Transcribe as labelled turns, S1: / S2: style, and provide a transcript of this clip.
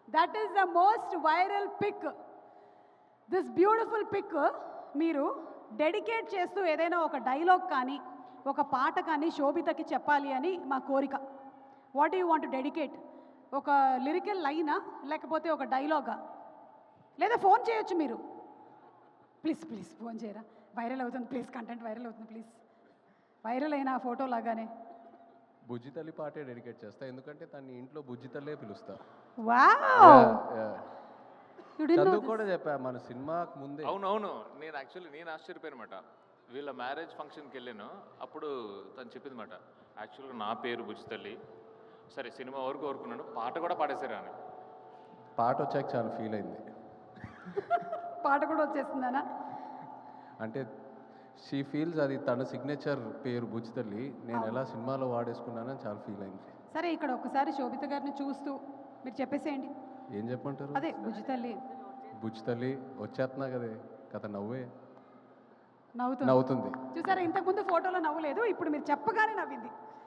S1: That is the most viral pic. This beautiful pic మీరు dedicate చేస్తూ ఏదైనా ఒక డైలాగ్ కానీ ఒక పాట కానీ శోభితకి చెప్పాలి అని మా కోరిక. What you want to dedicate? ఒక లిరికల్ లైనా లేకపోతే ఒక డైలాగా? లేదా ఫోన్ చేయొచ్చు మీరు. ప్లీజ్ ప్లీజ్ ఫోన్ చేయరా, వైరల్ అవుతుంది ప్లీజ్, కంటెంట్ వైరల్ అవుతుంది ప్లీజ్. వైరల్ అయిన ఫోటో లాగానే
S2: బుజ్జి తల్లి పాటే డెడికేట్ చేస్తా, ఎందుకంటే తన్ని ఇంట్లో బుజ్జి తల్లే పిలుస్తా.
S1: వావ్,
S2: చదువు కూడా చెప్పా మన సినిమాకు ముందే.
S3: అవునవును, నేను ఆశ్చర్యపోయినమాట. వీళ్ళ మ్యారేజ్ ఫంక్షన్కి వెళ్ళాను, అప్పుడు తను చెప్పింది మాట, యాక్చువల్గా నా పేరు బుజ్జి తల్లి, సరే సినిమా వరకు కోరుకున్నాను, పాట కూడా పాడేశారు అని.
S2: పాట వచ్చాక చాలా ఫీల్ అయింది.
S1: పాట కూడా వచ్చేస్తుందనా?
S2: అంటే షీ ఫీల్స్ అది తన సిగ్నేచర్ పేరు బుజ్జి తల్లి, నేను ఎలా సినిమాలో వాడేసుకున్నానని చాలా ఫీల్ అయింది.
S1: సరే ఇక్కడ ఒక్కసారి శోభిత గారిని చూస్తూ మీరు చెప్పేసేయండి.
S2: ఏం చెప్పంటారు?
S1: అదే బుజ్జి తల్లి.
S2: బుజ్జి తల్లి వచ్చేస్తున్నా కదే కథ, నవ్వే
S1: నవ్వుతుంది.
S2: నవ్వుతుంది.
S1: చూసారా, ఇంతకుముందు ఫోటోలో నవ్వులేదు, ఇప్పుడు మీరు చెప్పగానే నవ్వింది.